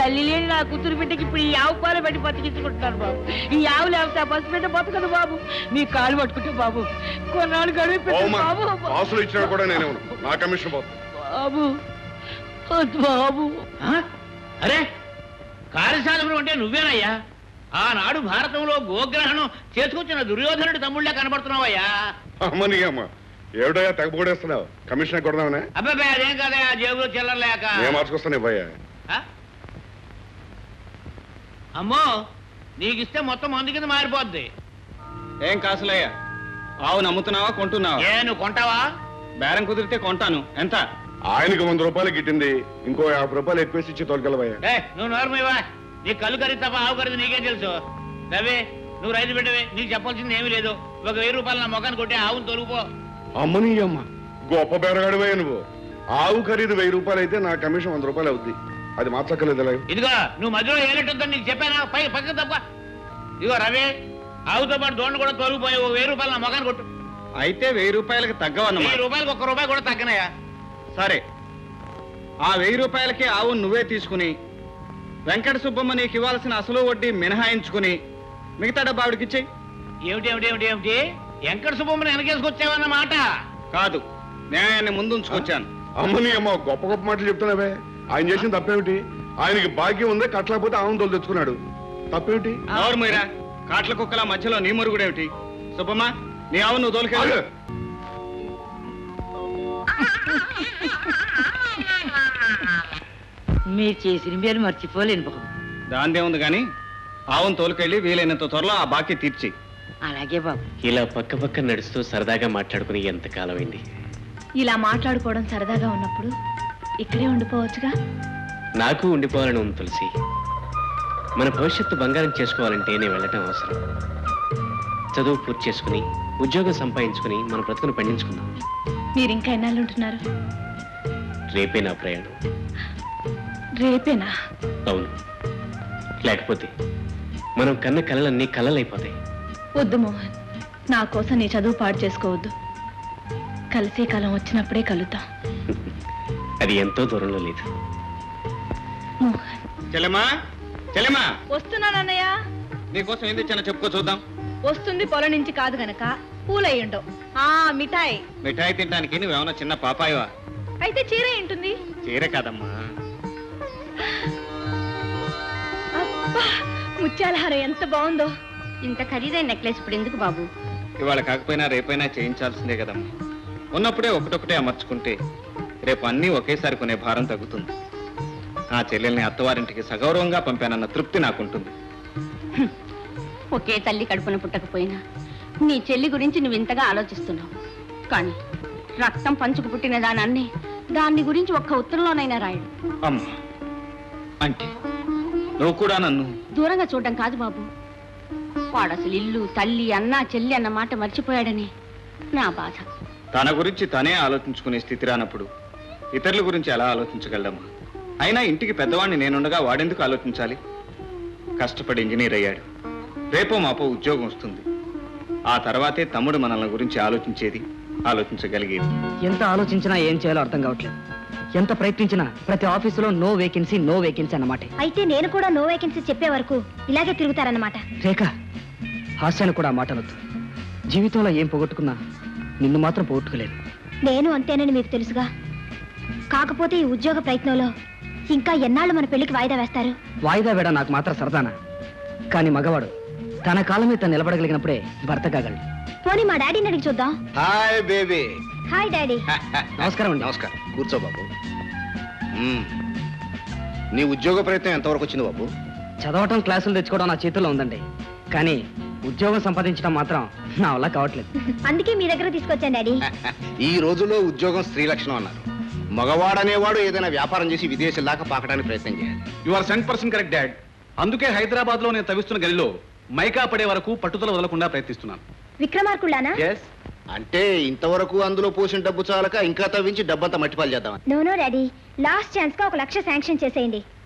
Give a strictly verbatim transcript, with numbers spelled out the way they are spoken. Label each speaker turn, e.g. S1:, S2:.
S1: తల్లి లేని నా కూతురు బిడ్డకి ఇప్పుడు ఈ ఆవు పాలు పెట్టి బతికించుకుంటున్నాను బాబు. ఈ ఆవు లేకపోతే ఆ పసి బిడ్డ బతకదు బాబు. మీ కాలు పట్టుకుంటే బాబు కొన్నాళ్ళు గడువు బాబు.
S2: ఆసులు ఇచ్చినా కూడా నేనే ఉన్నాను. నా కమిషన్ పోతుంది
S1: బాబు. బాబు
S3: అరే కార్యశాలకుడు అంటే నువ్వేనయ్యా? ఆనాడు భారతంలో గోగ్రహణం చేసుకొచ్చిన దుర్యోధనుడి తమ్ముళ్ళే కనబడుతున్నావయ్యా.
S2: అమ్మని అమ్మ ఏమిటయ్యా తెగపోడేస్తున్నావు? కమిషన్ కొడదామనే?
S3: అబ్బాయి అదేం కదయ్యా, జేబులో చిల్లరలేక.
S2: నేను మార్చుకొస్తాను ఇవ్వయ్యా.
S3: అమ్మో నీకిస్తే మొత్తం మందు కింద మారిపోద్ది.
S4: ఏం కాసులయ్యా? ఆవు నమ్ముతున్నావా కొంటున్నావా?
S3: ఏ నువ్వు కొంటావా?
S4: బేరం కుదిరితే కొంటాను. ఎంత?
S2: ఆయనకు వంద రూపాయలు గిట్టింది, ఇంకో యాభై రూపాయలు ఎక్కువేసి ఇచ్చి తోలుకెళ్ళవయ్యా.
S3: ఏ నువ్వు నోరమివా, నీ కళ్ళు కరిగి తప్ప ఆవు కరిది నీకేం తెలుసు? రవి నువ్వు రైతు బిడ్డవే, నీకు చెప్పాల్సింది ఏమీ లేదు. ఒక వెయ్యి రూపాయలు నా మొఖాన్ని కొట్టి ఆవును తొలుగుపో.
S2: అమ్మని అమ్మ గొప్ప బేరగాడివే నువ్వు. ఆవు ఖరీదు వెయ్యి రూపాయలు అయితే నా కమిషన్ వంద రూపాయలు అవుద్ది. అది మార్చక్కర్లేదు.
S3: ఇదిగో నువ్వు మధ్యలో ఏనట్టుందని నీకు చెప్పానా? పై పక్కన తప్ప. ఇదిగో రవి ఆవుతో పాటు దోండ కూడా తొలగిపోయి ఓ వెయ్యి రూపాయలు నా మొఖాన్ని కొట్టు.
S4: అయితే వెయ్యి రూపాయలకి తగ్గవన్నమాట.
S3: వెయ్యి రూపాయలకు ఒక్క రూపాయి కూడా తగ్గనయా.
S4: సరే, ఆ వెయ్యి రూపాయలకి ఆవు నువ్వే తీసుకుని వెంకట సుబ్బమ్మ నీకు ఇవ్వాల్సిన అసలు వడ్డీ మినహాయించుకుని మిగతా డబ్బు ఆవిడకిచ్చేయి.
S3: ఏమిటి ఏమిటి ఏమిటి ఏమిటి వెంకట సుబ్బమ్మని వెనకేసుకొచ్చావన్నమాట?
S4: కాదు, న్యాయాన్ని ముందుంచుకొచ్చాను.
S2: అమ్మని అమ్మ గొప్ప గొప్ప మాటలు చెప్తున్నావే. ఆయన చేసిన తప్పేమిటి? ఆయనకి భాగ్యం ఉందే, కట్టలేకపోతే ఆవును తోలు తెచ్చుకున్నాడు. తప్పేమిటి?
S4: ఎవరు మీరా? కాట్ల కుక్కల మధ్యలో నీ మురుగుడేమిటి? సుబ్బమ్మ నీ ఆవు నువ్వు తోలుకెళ్ళు.
S1: మీరు చేసిన మీరు మర్చిపోలేను బాబు.
S4: దాందే ఉంది గాని ఆవును తోలుకెళ్ళి వీలైనంత త్వరలో ఆ బాకీ తీర్చి.
S1: అలాగే బాబు.
S5: ఇలా పక్క పక్క నడుస్తూ సరదాగా మాట్లాడుకుని ఎంత కాలమైంది.
S6: ఇలా మాట్లాడుకోవడం సరదాగా ఉన్నప్పుడు ఇక్కడే ఉండిపోవచ్చుగా.
S5: నాకు ఉండిపోవాలని ఉంది తులసి. మన భవిష్యత్తు బంగారం చేసుకోవాలంటే నేను వెళ్ళటం అవసరం. చదువు పూర్తి చేసుకుని ఉద్యోగం సంపాదించుకుని మన బ్రతుకును పండించుకుందాం.
S6: మీరు ఇంకా ఎన్నాళ్ళు ఉంటున్నారు?
S5: రేపే నా ప్రయాణం.
S6: రేపేనా?
S5: అవును, లేకపోతే మనం కన్న కలలన్నీ కలలైపోతాయి.
S6: వద్దు మోహన్, నా కోసం నీ చదువు పాడు చేసుకోవద్దు. కలిసే కాలం వచ్చినప్పుడే కలుద్దాం.
S5: అది ఎంతో దూరంలో లేదు.
S6: మోహన్.
S4: చెల్లెమ్మా, చెల్లెమ్మా,
S6: వస్తున్నానన్నయ్య.
S4: నీకోసం ఏం తెచ్చానో చెప్పుకో చూద్దాం.
S6: వస్తుంది పొలం నుంచి కాదు గనక పూలయ్యుండవు. ఆ మిఠాయి.
S4: మిఠాయి తినడానికి నువ్వేమన్నా చిన్న పాపాయవా?
S6: అయితే చీర ఏంటుంది?
S4: చీర కాదమ్మా.
S6: అబ్బా, ముత్యాలహారం ఎంత బాగుందో.
S7: ఇంత ఖరీదైన నెక్లెస్ ఇప్పుడు ఎందుకు బాబు?
S4: ఇవాళ కాకపోయినా రేపైనా చేయించాల్సిందే కదమ్మా. ఉన్నప్పుడే ఒకటొకటే అమర్చుకుంటే రేపు అన్నీ ఒకేసారి కొనే భారం తగ్గుతుంది. ఆ చెల్లెల్ని అత్తవారింటికి సగౌరవంగా పంపానన్న తృప్తి నాకుంటుంది.
S7: ఒకే తల్లి కడుపున పుట్టకపోయినా నీ చెల్లి గురించి నువ్వు ఇంతగా ఆలోచిస్తున్నావు. కానీ రక్తం పంచుకు పుట్టిన దానాన్ని దాన్ని గురించి ఒక్క ఉత్తరంలోనైనా రాయడు.
S4: అమ్మా, అంటే నువ్వు కూడా నన్ను
S7: దూరంగా చూడడం కాదు బాబు. వాడు అసలు ఇల్లు తల్లి అన్నా చెల్లి అన్న మాట మర్చిపోయాడని నా బాధ.
S4: తన గురించి తనే ఆలోచించుకునే స్థితి రానప్పుడు ఇతరుల గురించి ఎలా ఆలోచించగలమ్మా? అయినా ఇంటికి పెద్దవాడిని నేనుండగా వాడెందుకు ఆలోచించాలి? కష్టపడి ఇంజనీర్ అయ్యాడు. రేపో మాపో ఉద్యోగం వస్తుంది. ఆ తర్వాతే తమ్ముడు మనల్ని గురించి ఆలోచించేది, ఆలోచించగలిగేది.
S8: ఎంత ఆలోచించినా ఏం చేయాలో అర్థం కావట్లేదు. ఎంత ప్రయత్నించినా ప్రతి ఆఫీసులో నో వేకెన్సీ నో వేకెన్సీ అన్నమాట.
S6: అయితే నేను కూడా నో వేకెన్సీ చెప్పే వరకు ఇలాగే తిరుగుతారన్నమాట.
S8: రేఖ, హాస్యాన్ని కూడా మాట అనొద్దు. జీవితంలో ఏం పోగొట్టుకున్నా నిన్ను మాత్రం పోగొట్టుకోలేదు.
S6: నేను అంతేనని మీకు తెలుసుగా. కాకపోతే ఈ ఉద్యోగ ప్రయత్నంలో ఇంకా ఎన్నాళ్ళు మన పెళ్లికి వాయిదా వేస్తారు?
S8: వాయిదా వేడ నాకు మాత్రం సరదానా? కానీ మగవాడు తన కాలం మీద నిలబడగలిగినప్పుడే భర్త కాగలడు.
S6: పోనీ మా డాడీని అడిగి చూద్దాం.
S9: Hi baby.
S6: Hi daddy.
S8: నమస్కారం అండి.
S9: నమస్కారం. కూర్చో బాబు. నీ ఉద్యోగ ప్రయత్నం ఎంతవరకు వచ్చింది బాబు?
S8: చదవటం, క్లాసులు తెచ్చుకోవడం నా చేతుల్లో ఉందండి. కానీ ఉద్యోగం సంపాదించడం మాత్రం నా వల్ల కావట్లేదు.
S6: అందుకే మీ దగ్గర తీసుకొచ్చాను డాడీ.
S9: ఈ రోజుల్లో ఉద్యోగం స్త్రీ లక్షణం అన్నారు. మగవాడనేవాడు ఏదైనా వ్యాపారం చేసి విదేశాల దాకా పాకడానికి ప్రయత్నం చేయాలి.
S4: You are sent person correct dad. అందుకే హైదరాబాద్ లో నేను తవ్విస్తున్న గదిలో మైకా పడే వరకు పట్టుదల వదలకుండా ప్రయత్నిస్తున్నాను.
S6: విక్రమార్కుళ్ళానా?
S9: అంటే ఇంతవరకు అందులో పోసిన డబ్బు చాలక ఇంకా తవ్వించి డబ్బంతా మట్టిపాలు చేద్దాం.
S6: No no daddy, last chance గా ఒక లక్ష శాంక్షన్ చేసేయండి.